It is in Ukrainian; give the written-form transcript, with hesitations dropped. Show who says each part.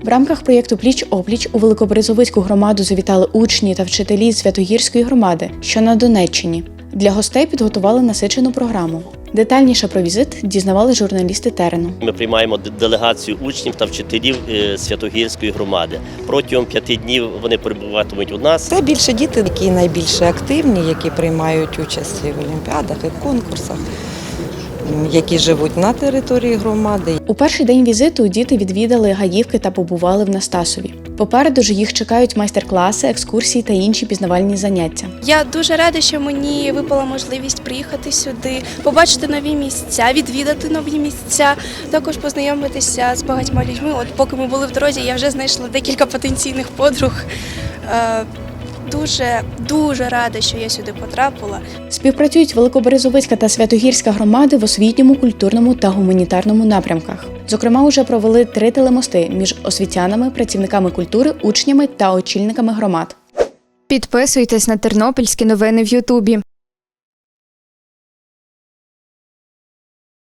Speaker 1: В рамках проєкту «Пліч-опліч» у Великоберезовицьку громаду завітали учні та вчителі з Святогірської громади, що на Донеччині. Для гостей підготували насичену програму. Детальніше про візит дізнавали журналісти терену.
Speaker 2: Ми приймаємо делегацію учнів та вчителів Святогірської громади. Протягом 5 днів вони перебуватимуть у нас.
Speaker 3: Це більше діти, які найбільше активні, які приймають участь в олімпіадах і в конкурсах, які живуть на території громади.
Speaker 1: У перший день візиту діти відвідали Гаївки та побували в Настасові. Попереду ж їх чекають майстер-класи, екскурсії та інші пізнавальні заняття.
Speaker 4: Я дуже рада, що мені випала можливість приїхати сюди, побачити нові місця, відвідати нові місця, також познайомитися з багатьма людьми. От поки ми були в дорозі, я вже знайшла декілька потенційних подруг. Дуже рада, що я сюди потрапила.
Speaker 1: Співпрацюють Великоберезовицька та Святогірська громади в освітньому, культурному та гуманітарному напрямках. Зокрема, уже провели 3 телемости між освітянами, працівниками культури, учнями та очільниками громад.
Speaker 5: Підписуйтесь на тернопільські новини в Ютубі.